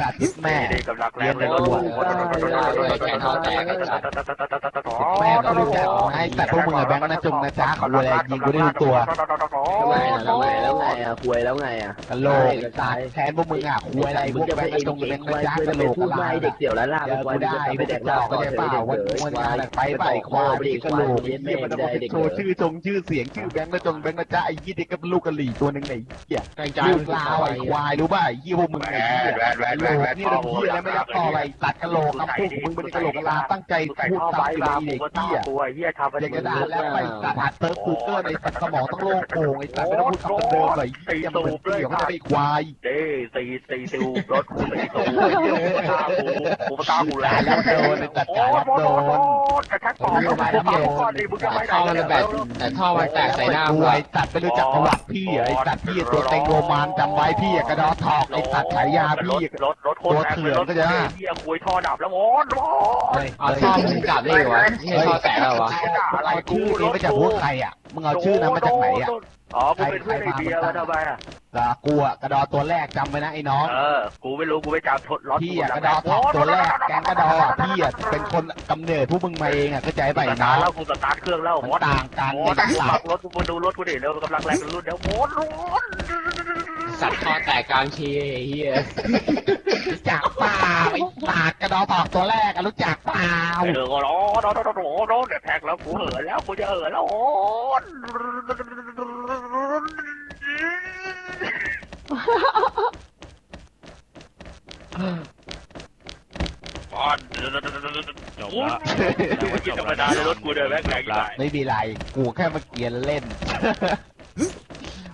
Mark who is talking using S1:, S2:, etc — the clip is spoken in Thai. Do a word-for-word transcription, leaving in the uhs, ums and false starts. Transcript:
S1: าทิตแม่
S2: กำลังแรงเลยรถแกท้อแตก
S1: แม่ก็รู้จักไอ้แต่พวกมึงอะแบงค์นะจงนะจ๊ะขออะไรยิงกูได้ทุกตัว
S3: ทำไมอ่ะทำไมแล้วไงอ่ะคุยแล้วไงอ่ะ
S1: กะโหลกตาแทนพวกมึงอ่ะคุยอะไรพวกแบงค์นะจงแบงค์นะจ๊ะกะโหลก
S3: พูด
S1: อะไร
S3: ไม่เด็กเสี่ยวแล้วล่ะ
S1: เดี๋ยวกูได้ไม่ได้ต่อก็ได้เปล่าวันวันงานไปไปควายไปกะโหลกไอ้เหี้ยมันต้องโชว์ชื่อจงชื่อเสียงชื่อแบงค์นะจงแบงค์นะจ๊ะไอ้ยี่เด็กกับลูกกะหรี่ตัวนึงไหนเหี้ยลูกลาวไอ้ควายรู้ป่ะไอ้ยี่พวกมึงไอ้เหี้ยโหลกนี่เราเหี้ยแล้วไม่รับต่ออะไรตัดกะโหลกคำพูดของมึงเป็นกะโหลกกะลาตั้งใจพูดตามสิ่งที่เด็กเหี้ยอยากจะด่าแล้วไปตัดหัดเติร์ฟกูเกอร์ในสมองต้องโล่งโปร่งไอ้ตัดไม่ต้องพูดคำเดิมเลยเหี้ยมันเป็นเกี่ยวกับไอ้ควาย
S2: เด้ตีตีตูรถกูตีตูตาหูกูตาหูแล้ว
S1: แล้วโดนไอ้ตัดขาแล้วโดน
S2: กระแทกก่อนกระแทกก่อนดิมึงจะไม่ได้
S4: ท่อมันแบบแต่ท่อมันแตกใส่หน้า
S1: กู
S4: เล
S1: ไอ้
S4: ย
S1: ตัดไม่รู้จักประวัติพี่ไอ้ตัดพี่ตัวเต็งโรมานจำไว้พี่กระดอทอกไอ้ตัดฉายาพี่
S2: รถรถโคตรแรงรถเฮียคุยท่อดับแล้วโว้ย
S4: เอาท่อมึงกลับได้เหรอวะไม่ท่อแตกแล้ววะ
S1: อะไรชื่อนี้มาจากพวกใครอ่ะมึงเอาชื่อนั้นมาจากไหนอ่ะ
S2: อ๋อกูเป็นเพื่อนไอเบียร์มาทำไมอ่ะ
S1: ละกูอ่ะกระดอตัวแรกจำไว้นะไอ้น้อง
S2: เออกูไม่รู้กูไปจับรถ
S1: พี่อ่ะกระดอทอกตัวแรกแกงกระดออ่ะพี่อ่ะเป็นคนกำเนิดผู้มึงมาเองอ่ะเข้าใจป่ะไอ้น้อง
S2: แล้วกูสตาร์ทเครื่องแล้ว
S1: มันต่างกัน
S2: โอ้
S1: ใน
S2: ย
S1: หลั
S2: ขั
S1: ก
S2: บรถกูมาดูรถกูดิเร็วกำลังแรงรุ่นเดี๋ยวโว้ย
S4: สัตว์ท่อแตกกลางชีเฮีย
S1: รู้จักเปล่าไอ้ตากกระดอทอกตัวแรกอ่ะรู้จักเปล่า
S2: เออก็ร้อนร้อนร้อนร้อนร้อนเดี๋ยวแท็กแล้วกูเหินแล้วกูจะเหินแล้วโอ้ย บอลจบละจบละรถกูเดินแบกแรงอยู่ไหน
S1: ไม่มีไรกูแค่มาเกียนเล่น